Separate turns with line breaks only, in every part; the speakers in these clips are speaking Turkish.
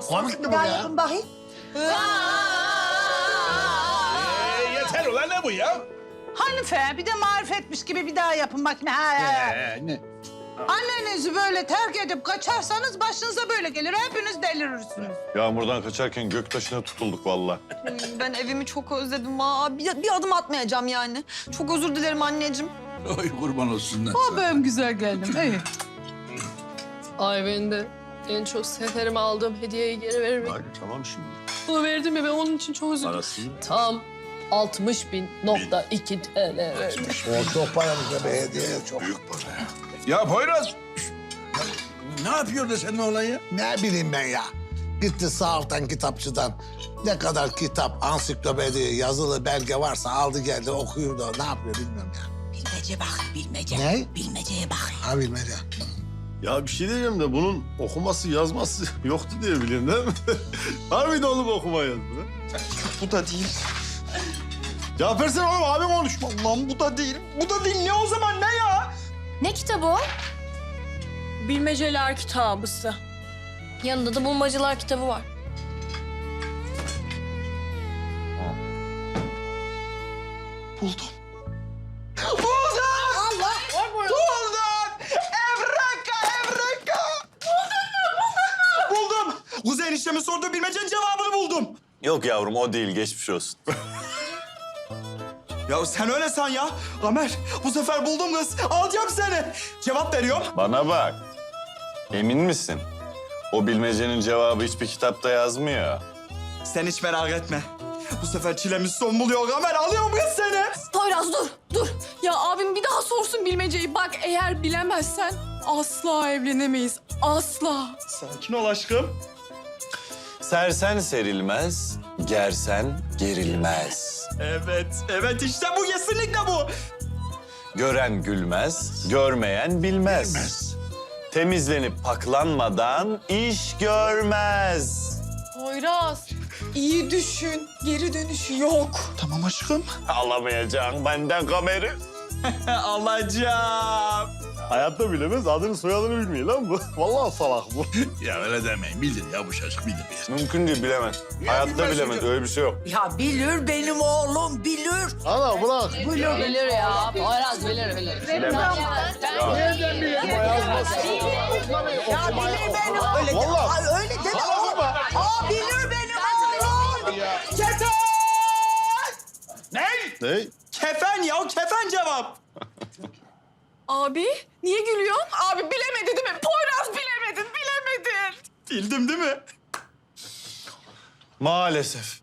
Komik mi bu
Bir daha
ya?
yapın bakayım.
Yeter ulan ne bu ya?
Hanife bir de marifetmiş gibi bir daha yapın bakayım.
Ne?
Annenizi böyle terk edip kaçarsanız başınıza böyle gelir. Hepiniz delirirsiniz.
Yağmurdan kaçarken göktaşına tutulduk vallahi.
Ben evimi çok özledim. Bir adım atmayacağım yani. Çok özür dilerim anneciğim.
Oy kurban olsunlar.
O benim güzel geldim. İyi.
Ay ben de en çok seferime aldığım hediyeyi geri veririm.
Hadi tamam şimdi.
Bunu verdim ya ben onun için çok üzüldüm.
Parasını
Tam 60.2 TL verdim.
O çok paralık be hediye çok.
büyük para ya.
Ya Poyraz. Ne yapıyor da senin oğlan ya?
Ne bileyim ben ya. Gitti sağ alttan kitapçıdan. Ne kadar kitap, ansiklopedi, yazılı belge varsa aldı geldi okuyor da ne yapıyor bilmiyorum ya.
Bilmece bak, bilmece.
Ne?
Bilmeceye bak.
Ha bilmece.
Ya bir şey diyeceğim de bunun okuması yazması yoktu diye biliyorum değil mi? Harbiden oğlum okuma yazdı.
Bu da değil.
Cevap versene oğlum abim konuşma.
Lan bu da değil. Bu da değil. Ne o zaman ne ya?
Ne kitabı o?
Bilmeceler kitabısı.
Yanında da bulmacalar kitabı var.
Buldum. Allah! Buldum! Evreka! Buldum! Kuzey eniştemin sorduğu bilmecenin cevabını buldum.
Yok yavrum o değil geçmiş olsun.
Ya sen öyle san ya. Ömer, bu sefer buldum kız. Alacağım seni. Cevap veriyorum.
Bana bak. Emin misin? O bilmecenin cevabı hiçbir kitapta yazmıyor.
Sen hiç merak etme. Bu sefer çilemiz son buluyor Ömer. Alıyorum kız seni.
Poyraz dur. Ya abim bir daha sorsun bilmeceyi. Bak eğer bilemezsen asla evlenemeyiz. Asla.
Sakin ol aşkım.
Sersen serilmez, gersen gerilmez.
Evet işte bu kesinlikle bu.
Gören gülmez, görmeyen bilmez. Temizlenip paklanmadan iş görmez.
Poyraz iyi düşün. Geri dönüşü yok.
Tamam aşkım.
Alamayacağım benden kameri.
Alacağım.
Hayatta bilemez, adını soyadını bilmiyor lan bu. Vallahi salak bu.
Ya öyle demeyin. Bilir ya bu çocuk bilir.
Mümkün değil, bilemez. Hayatta bilemez, öyle bir şey yok.
Ya bilir benim oğlum, bilir.
Ana bırak.
Bilir ya. Poyraz bilir.
Bilemez.
Ya bilir benim. Öyle
Vallahi.
Ay, öyle deme. Aa bilir benim oğlum.
Kefen!
Ne?
Kefen ya, kefen cevap.
Abi niye gülüyorsun? Abi bilemedi değil mi? Poyraz bilemedin.
Bildim değil mi?
Maalesef.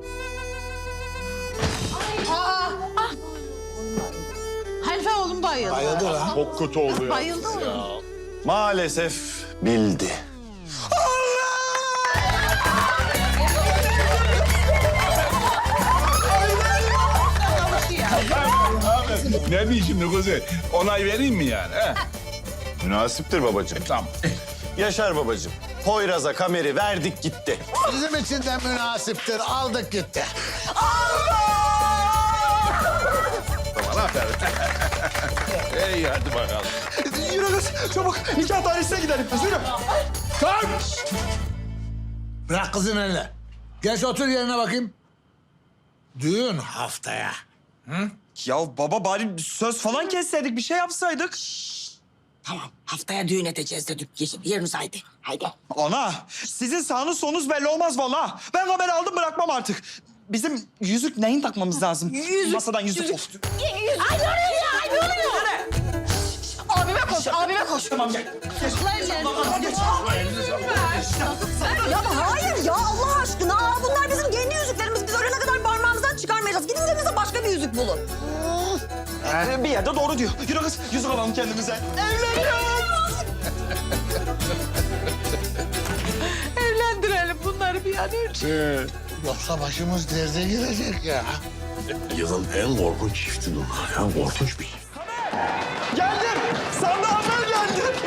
Hanife oğlum bayıldı.
Bayıldı lan.
Çok kötü oldu ya.
Bayıldı oğlum.
Maalesef bildi.
Ne diyeyim şimdi Kuzey? Onay vereyim mi yani? He?
Münasiptir babacığım.
Tamam.
Yaşar babacığım. Poyraz'a kameri verdik gitti.
Bizim için de münasiptir. Aldık gitti.
Tamam aferin. İyi hadi bakalım.
Yürü kız, çabuk. Nikah dairesine gidelim. Yürü.
Kalk! Bırak kızın eline. Geç otur yerine bakayım. Düğün haftaya.
Ya baba bari söz falan kesseydik, bir şey yapsaydık.
Tamam, haftaya düğün edeceğiz dedik. Yeriniz haydi. Haydi.
Ana, sizin sağınız solunuz belli olmaz vallahi. Ben haberi aldım bırakmam artık. Bizim yüzük neyin takmamız lazım? Masadan yüzük.
Ay ne oluyor ya? Ay ne oluyor?
Abime koş.
Tamam gel.
Ya hayır ya Allah aşkına. Bunlar bizim kendi yüzüklerimiz. Biz ölene kadar parmağımızdan çıkarmayacağız. Gidin elinize başka bir yüzük bulun.
Bir yerde doğru diyor. Yürü kız, yüzük alalım kendimize. Evleniyoruz.
Evlendirelim bunları bir an önce.
Yoksa başımız derde girecek ya.
Yılın en korkunç çifti bunlar ya. Korkunç bir şey.
Geldim. Sandığa haber geldi.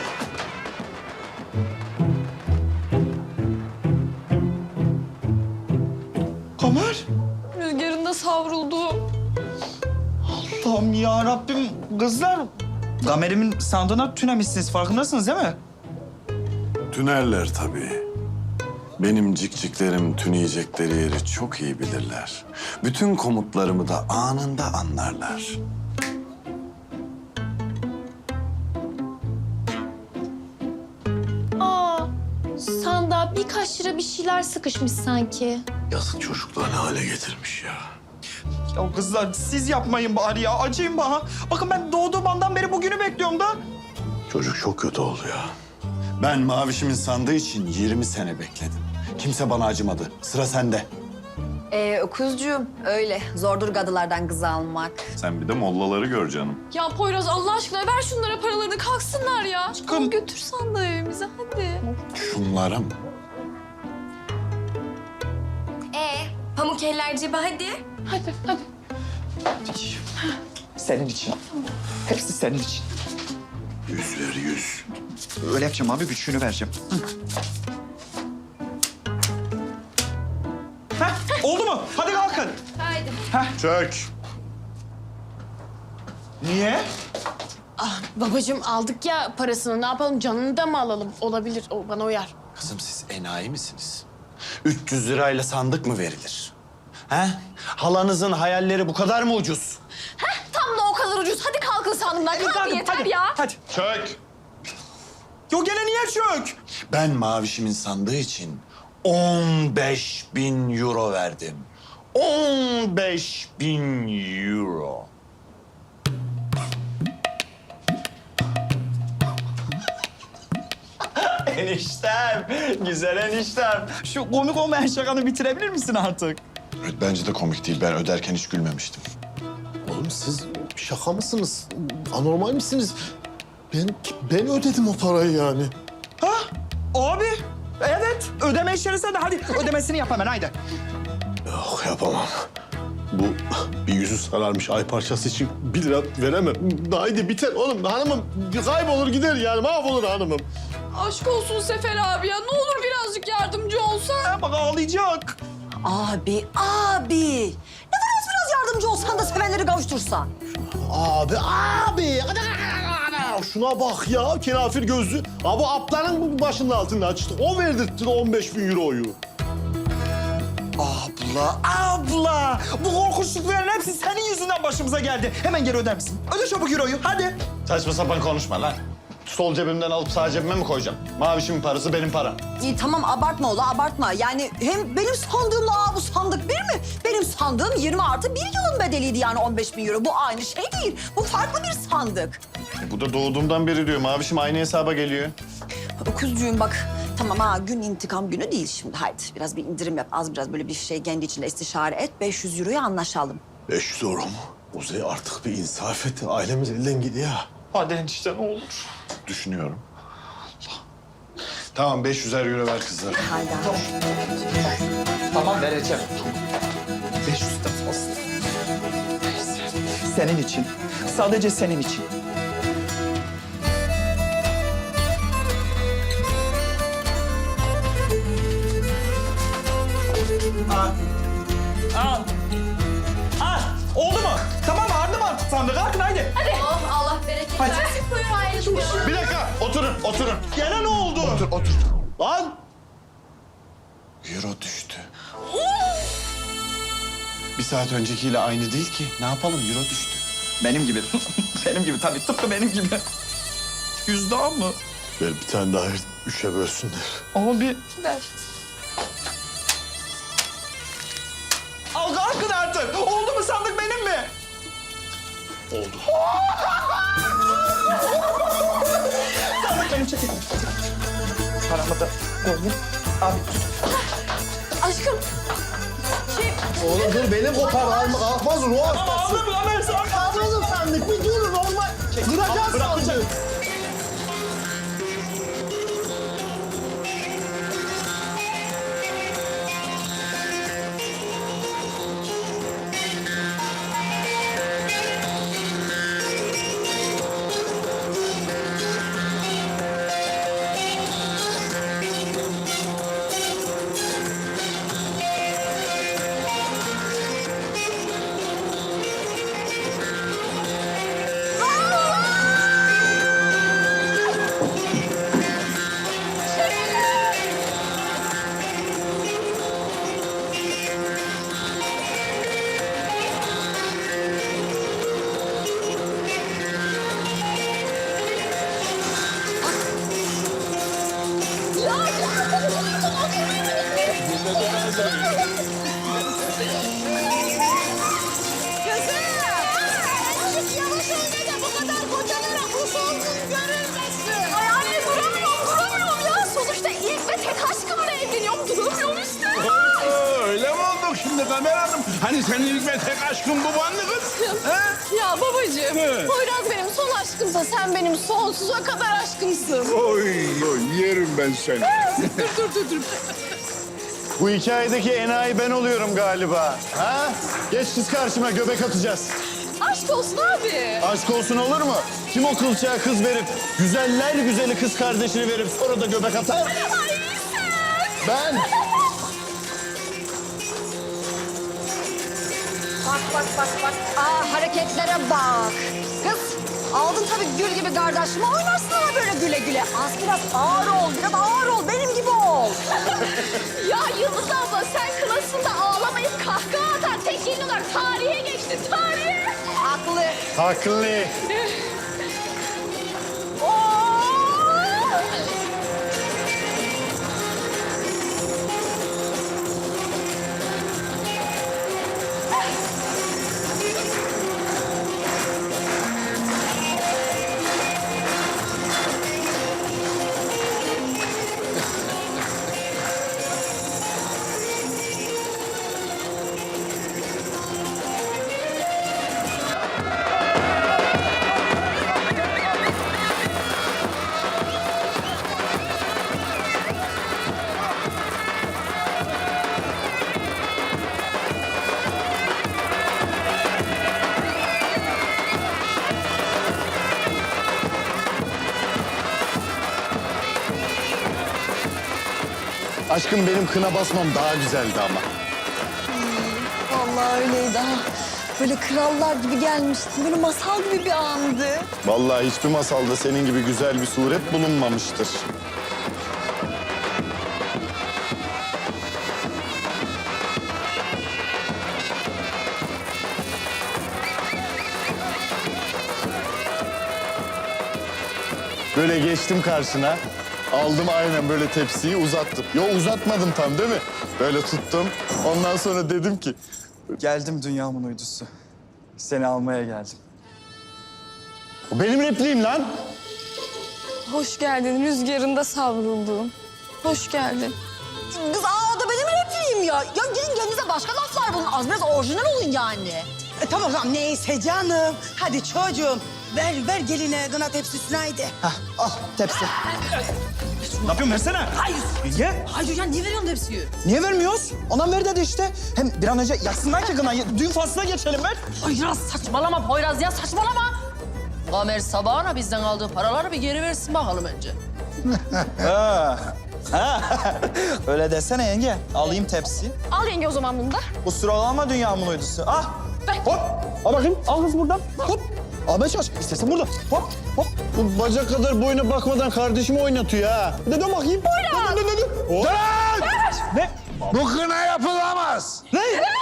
Kamer.
Rüzgarında savruldu.
Allah'ım ya Rabbim. Kızlar, Kamer'imin sandığına tünemişsiniz. Farkındasınız değil mi?
Tünerler tabii.
Benim cikciklerim tüneyecekleri yeri çok iyi bilirler. Bütün komutlarımı da anında anlarlar.
Aa, sandığa birkaç lira bir şeyler sıkışmış sanki.
Yazık çocuklar ne hale getirmiş ya.
Ya kızlar siz yapmayın bari ya. Acıyın bana. Bakın ben doğduğum andan beri bugünü bekliyorum da.
Çocuk çok kötü oldu ya.
Ben Mavişimin sandığı için 20 sene bekledim. Kimse bana acımadı. Sıra sende.
Öküzcüğüm öyle. Zordur gadılardan kız almak.
Sen bir de mollaları gör canım.
Ya Poyraz Allah aşkına ver şunlara paralarını kalksınlar ya. Al götür sandığı evimize hadi.
Şunlara mı?
Pamuk eller cebe hadi.
Hadi hadi.
Senin için. Hepsi senin için.
100 ver 100.
Öyle yapacağım abi, güçlüğünü vereceğim. Heh, oldu mu? Hadi kalkın.
Haydi.
Çök.
Niye?
Babacığım aldık ya parasını ne yapalım canını da mı alalım? Olabilir o bana uyar.
Kızım siz enayi misiniz? 300 lirayla sandık mı verilir? He? Halanızın hayalleri bu kadar mı ucuz?
Tam da o kadar ucuz. Hadi kalkın sandığımdan. Kalkın yeter
hadi,
ya.
Hadi.
Çök.
Yo gene niye çök?
Ben Mavişimin sandığı için 15.000 euro verdim. 15.000 euro.
Eniştem, güzel eniştem. Şu komik olmayan şakanı bitirebilir misin artık?
Evet, bence de komik değil. Ben öderken hiç gülmemiştim.
Oğlum siz şaka mısınız? Anormal misiniz? Ben ödedim o parayı yani.
Ha? Abi, evet. Ödeme işleri sende. Hadi ödemesini yap hemen, haydi.
Yok yapamam. Bu bir yüzü sararmış ay parçası için 1 lira veremem. Haydi biter oğlum hanımım. Kaybolur gider yani mahvolur hanımım.
Aşk olsun Sefer abi ya. Ne olur birazcık yardımcı olsan.
Ha, bak ağlayacak.
Abi. Ne var biraz yardımcı olsan da sevenleri kavuştursan.
Abi. Şuna bak ya kenafir gözlü. Abi apların başının altında açtı. O verdirtti 15.000 euroyu.
Abla! Bu korkunçlukların hepsi senin yüzünden başımıza geldi. Hemen geri öder misin? Öde çabuk euroyu, hadi.
Saçma sapan konuşma lan. Sol cebimden alıp sağ cebime mi koyacağım? Mavişimin parası benim param.
İyi tamam abartma ola abartma. Yani hem benim sandığımla bu sandık bir mi? Benim sandığım 20 artı 1 yılın bedeliydi yani 15.000 euro. Bu aynı şey değil. Bu farklı bir sandık.
Bu da doğduğumdan beri diyor. Mavişim aynı hesaba geliyor.
Öküzcüğüm bak. Tamam gün intikam günü değil şimdi. Haydi biraz bir indirim yap. Az biraz böyle bir şey kendi içinde istişare et. 500 euroya anlaşalım.
500 euro mu? Uzay artık bir insaf et. Ailemiz elden gidiyor.
Hadi enişte ne olur.
Düşünüyorum. Tamam 500'er euro ver kızlar.
Haydi.
Tamam vereceğim. 500 de olsun. Senin için. Sadece senin için. Al. Oldu mu? Tamam mı? Ardı mı artık sandık? Kalkın haydi.
Oh Allah bereket
Hadi.
versin. Buyur aileciğim.
Bir dakika oturun.
Gene ne oldu?
Otur.
Lan!
Euro düştü. Bir saat öncekiyle aynı değil ki. Ne yapalım? Euro düştü.
Benim gibi. Benim gibi tabii. Tıpkı benim gibi. 100 daha mı?
Ver bir tane daha 3'e bölsünler.
Abi.
Ver.
Al kalkın artık. Oldu mu sandık benim mi?
Oldu.
Sandık benim çekin. Paramı da koyayım. Abi
Aşkım.
Oğlum dur beni kopar. Kalkmaz ruh hastası.
aldım lan ben sana.
Kalkmazım sandık. Bir dur normal. Bırakacağız sandık.
Yavaş oyna da bu kadar kocalara kuş olduğun görülmesin.
Ay anne duramıyorum ya. Sonuçta ilk ve tek aşkımla evleniyorum. Duramıyorum işte.
Öyle mi olduk şimdi Kamer Hanım? Hani senin ilk ve tek aşkın bu bandı kız? Ha?
Ya babacığım,
Evet.
Poyraz benim son aşkımsa sen benim sonsuza kadar aşkımsın.
Oy, yerim ben seni.
dur.
Bu hikayedeki enayi ben oluyorum galiba. Ha? Geç kız karşıma, göbek atacağız.
Aşk olsun abi.
Aşk olsun olur mu? Kim o kılçağa kız verip, güzeller güzeli kız kardeşini verip sonra da göbek atar?
Ay sen.
Ben.
Bak. Aa, hareketlere bak. Kız, aldın tabii gül gibi kardeşimi. Oynarsın ama böyle güle güle. Az biraz ağır ol, biraz ağır ol. Benim gibi ol.
Ya Yıldız abla sen klasında ağlamayıp kahkaha atan tek gelin olarak tarihe geçtin, tarihe.
Haklı.
Haklı. Aşkım benim kına basmam daha güzeldi ama.
Vallahi öyleydi ha. Böyle krallar gibi gelmiştin. Böyle masal gibi bir andı.
Vallahi hiçbir masalda senin gibi güzel bir suret bulunmamıştır. Böyle geçtim karşına. Aldım aynen böyle tepsiyi uzattım. Yo uzatmadım tam değil mi? Böyle tuttum. Ondan sonra dedim ki...
Geldim dünyamın uydusu. Seni almaya geldim.
O benim repliğim lan.
Hoş geldin rüzgarında savrulduğum. Hoş geldin.
Kız o da benim repliğim ya. Ya gidin kendinize başka laflar bulun. Az biraz orijinal olun yani.
Tamam neyse canım. Hadi çocuğum. Ver geline kına tepsisini haydi.
Hah, al tepsi. Ne yapıyorsun versene.
Hayır.
Niye?
Hayır ya niye veriyorsun tepsiyi?
Niye vermiyoruz? Ondan ver dedi işte. Hem bir an önce yaksınlar ki kınayı. Düğün faslına geçelim ver.
Poyraz saçmalama Poyraz ya saçmalama. Kamer sabahına bizden aldığı paraları bir geri versin bakalım önce.
Öyle desene yenge. Alayım tepsi.
Al yenge o zaman bunu da.
Kusura olma dünyamın uydusu. Ah.
Ver.
Hop. Al bakayım. Al kız buradan. Hop. Al ben çalış. İstersen burada. Hop. Hop.
Bu bacak kadar boyuna bakmadan kardeşimi oynatıyor ha.
Bir de dön bakayım.
Poyraz.
Dön. Oh. Ne?
Bu kına yapılamaz.
Ne?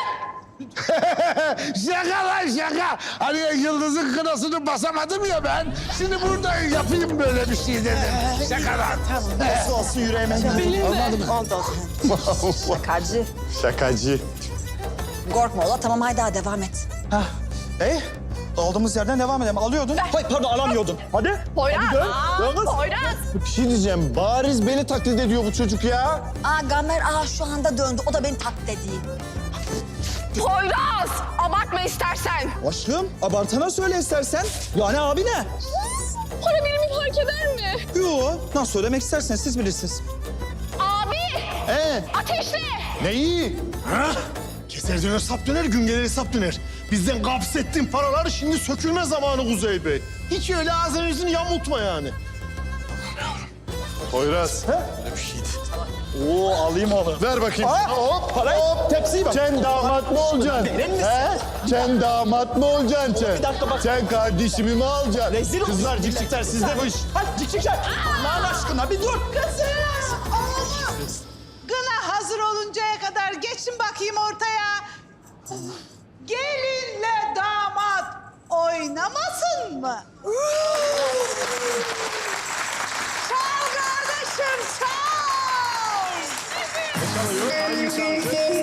Şaka lan şaka. Hani Yıldız'ın kınasını basamadım ya ben. Şimdi burada yapayım böyle bir şey dedim. Şaka lan.
Nasıl olsun yüreğime. Anladım.
Şakacı.
Şakacı.
Korkma ola tamam haydi daha devam et.
Hah. Olduğumuz yerden devam edelim. Alıyordun. Hayır pardon alamıyordun. Hadi.
Poyraz.
Yalnız.
Poyraz.
Bir şey diyeceğim. Bariz beni taklit ediyor bu çocuk ya.
Gamer şu anda döndü. O da beni taklit ediyor.
Poyraz. Abartma istersen.
Aşkım abartana söyle istersen. Yani abi ne?
Para birimi fark eder mi?
Yo. Nasıl söylemek isterseniz siz bilirsiniz.
Abi. Ateşle.
Neyi?
Ha? Keser döner sap döner, gün gelir hesap döner. Bizden gapsettiğin paralar şimdi sökülme zamanı Kuzey Bey. Hiç öyle ağzını yüzünü yamultma yani.
Poyraz.
Öyle bir şeydi.
Oo alayım onu.
Ver bakayım.
Aa,
Hop.
parayı, tepsiyi bak.
Sen damat mı olacaksın?
Verir misin?
He? Sen damat mı olacaksın sen?
Bir dakika bak.
Sen kardeşimi mi alacaksın?
Rezil ol.
Kızlar cikcikler sizde bu iş.
Hadi cikcikler. Allah'ın aşkına bir dur.
Kına hazır oluncaya kadar geçin bakayım ortaya. Gelinle damat oynamasın mı? Çal kardeşim çal.
Çalıyor, hangi çaldı?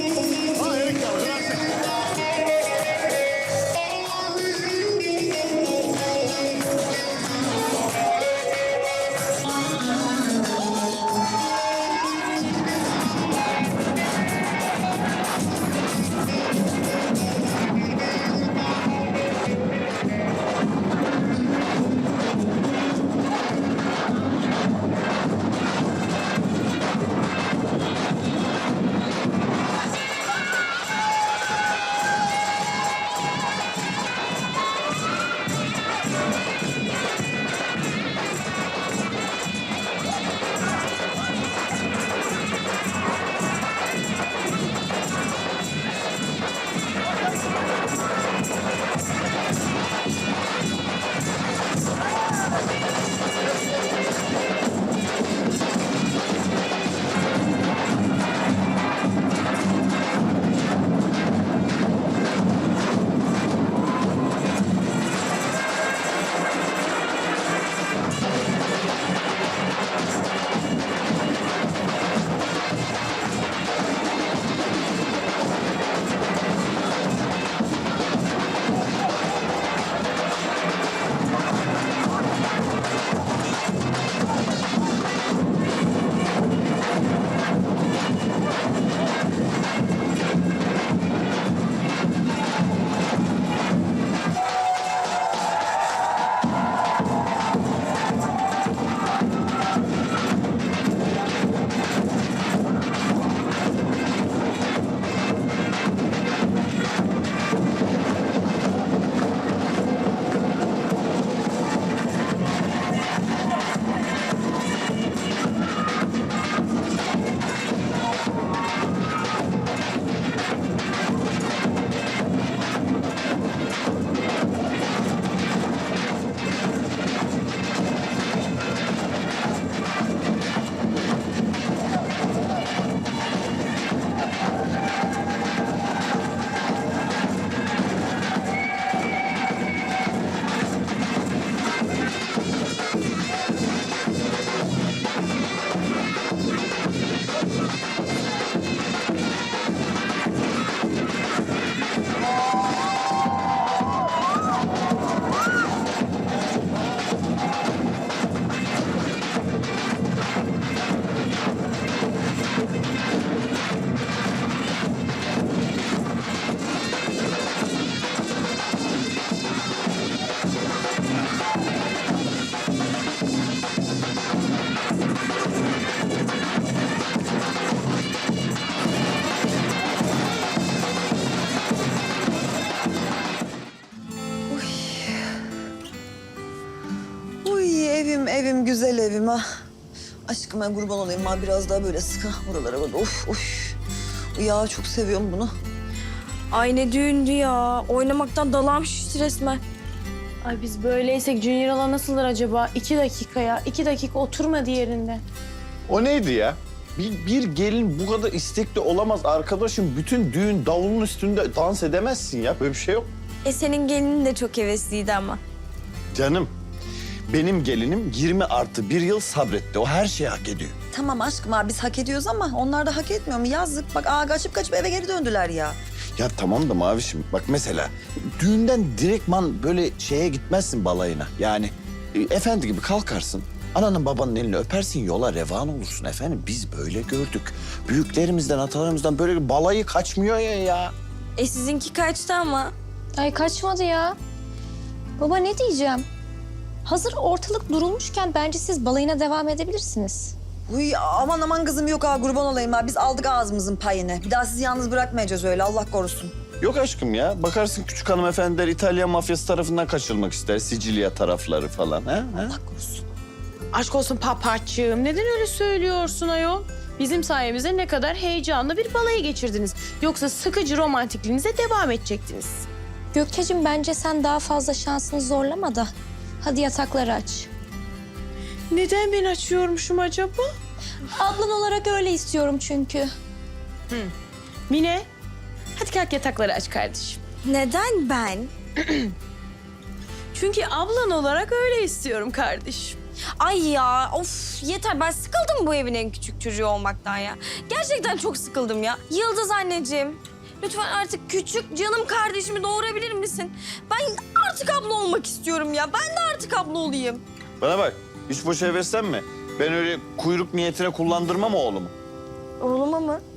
Uy evim güzel evim ha. Aşkım ben kurban olayım ha biraz daha böyle sıkı buralara böyle of. Ya çok seviyorum bunu.
Ay ne düğündü ya. Oynamaktan dalağım şişti resmen.
Ay biz böyleysek Junior hala nasıldır acaba? 2 dakika 2 dakika oturmadı yerinde.
O neydi ya? Bir gelin bu kadar istekli olamaz arkadaşım. Bütün düğün davulun üstünde dans edemezsin ya. Böyle bir şey yok.
Senin gelinin de çok hevesliydi ama.
Canım, benim gelinim 20+1 yıl sabretti. O her şeyi hak ediyor.
Tamam aşkım ha biz hak ediyoruz ama onlar da hak etmiyor mu? Yazık bak kaçıp eve geri döndüler ya.
Ya tamam da Mavişim bak mesela düğünden direktman böyle şeye gitmezsin balayına. Yani efendi gibi kalkarsın. Ananın babanın elini öpersin yola revan olursun efendim. Biz böyle gördük. Büyüklerimizden atalarımızdan böyle bir balayı kaçmıyor ya.
Sizinki kaçtı ama. Ay kaçmadı ya. Baba ne diyeceğim? Hazır ortalık durulmuşken bence siz balayına devam edebilirsiniz.
Uy aman kızım yok ha kurban olayım ha. Biz aldık ağzımızın payını. Bir daha sizi yalnız bırakmayacağız öyle Allah korusun.
Yok aşkım ya. Bakarsın küçük hanımefendiler İtalyan mafyası tarafından kaçırılmak ister. Sicilya tarafları falan. Ha?
Allah korusun.
Aşk olsun papaçığım. Neden öyle söylüyorsun ayol? Bizim sayemizde ne kadar heyecanlı bir balayı geçirdiniz. Yoksa sıkıcı romantikliğinize devam edecektiniz.
Gökçe'cim bence sen daha fazla şansını zorlama da. Hadi yatakları aç.
Neden ben açıyormuşum acaba?
Ablan olarak öyle istiyorum çünkü.
Mine, hadi kalk yatakları aç kardeşim.
Neden ben?
Çünkü ablan olarak öyle istiyorum kardeşim.
Ay ya of yeter ben sıkıldım bu evin en küçük çocuğu olmaktan ya. Gerçekten çok sıkıldım ya. Yıldız anneciğim lütfen artık küçük canım kardeşimi doğurabilir misin? Ben artık abla olmak istiyorum ya. Ben de artık abla olayım.
Bana bak. Hiç boş versem mi? Ben öyle kuyruk niyetine kullandırmam oğlumu.
Oğluma mı?